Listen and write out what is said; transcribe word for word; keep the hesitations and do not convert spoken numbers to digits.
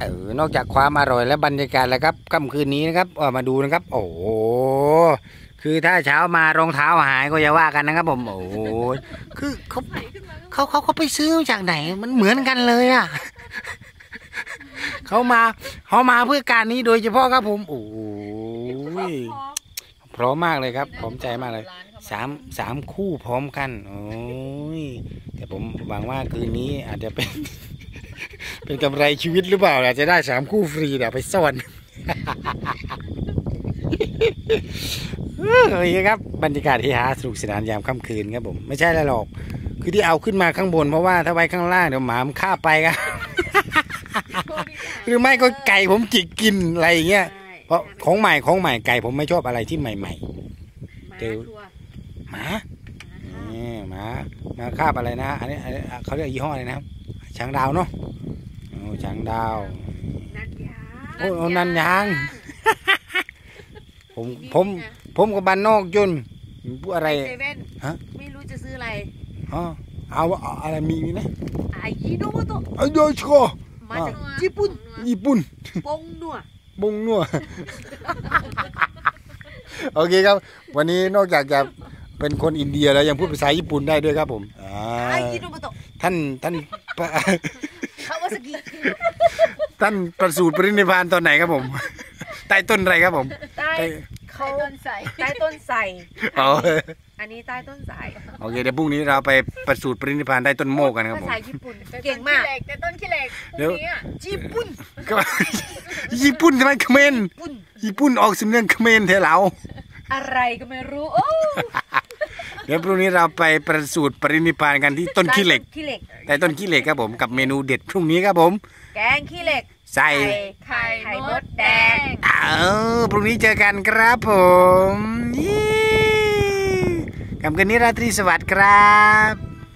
เออนอกจากความอร่อยและบรรยากาศแล้วครับค่ำคืนนี้นะครับออกมาดูนะครับโอ้โหคือถ้าเช้ามารองเท้าหายก็อย่าว่ากันนะครับผมโอ้โหคือเขาเขาเขาเขาไปซื้อจากไหนมันเหมือนกันเลยอ่ะเขามาเขามาเพื่อการนี้โดยเฉพาะครับผมโอ้ยพร้อมมากเลยครับพร้อมใจมากเลยสามสามคู่พร้อมกันโอ้ยแต่ผมหวังว่าคืนนี้อาจจะเป็นเป็นกำไรชีวิตหรือเปล่าอาจจะได้สามคู่ฟรีเดี๋ยวไปซ่อนโอเคครับบรรยากาศที่หาสนุกสนานยามค่ำคืนครับผมไม่ใช่อะไรหรอกคือที่เอาขึ้นมาข้างบนเพราะว่าถ้าไว้ข้างล่างเดี๋ยวหมามันฆ่าไปครับหรือไม่ก็ไก่ผมจิกกินอะไรอย่างเงี้ยเพราะของใหม่ของใหม่ไก่ผมไม่ชอบอะไรที่ใหม่ๆเจอหมานี่หมาหมาคาบอะไรนะอันนี้เขาเรียกยี่ห้ออะไรนะครับช้างดาวเนาะโอ้ช้างดาวโอ้นันยางผมผมผมกับบ้านนอกจนพูดอะไรฮะไม่รู้จะซื้ออะไรอ๋อเอาอะไรมีมีไหมอายิโนโมโตะอาโยชิโกมาจากญี่ปุ่นญี่ปุ่นบงนัวบงนัวโอเคครับวันนี้นอกจากจะเป็นคนอินเดียแล้วยังพูดภาษาญี่ปุ่นได้ด้วยครับผมอายิโนโมโตะท่านท่านคาวาซากิท่านประสูติปรินิพพานตอนไหนครับผมใต้ต้นอะไรครับผมใต้เขาต้นใส่ใต้ต้นใส่อ๋ออันนี้ใต้ต้นสายโอเคเดี๋ยวพรุ่งนี้เราไปประสูติปรินิพพานใต้ต้นโมกกันครับผมภาษาญี่ปุ่นเก่งมากแต่ต้นขี้เหล็กเดี๋ยวญี่ปุ่นญี่ปุ่นทำไมเขมรญี่ปุ่นออกสำเนียงเขมรเทเราอะไรก็ไม่รู้เดี๋ยวพรุ่งนี้เราไปประสูติปรินิพพานกันที่ต้นขี้เหล็กใต้ต้นขี้เหล็กครับผมกับเมนูเด็ดพรุ่งนี้ครับผมแกงขี้เหล็กใส่ไข่ไข่มดแดงอ้าวพรุ่งนี้เจอกันครับผมค่ำคืนนี้ราตรีสวัสดิ์ครับ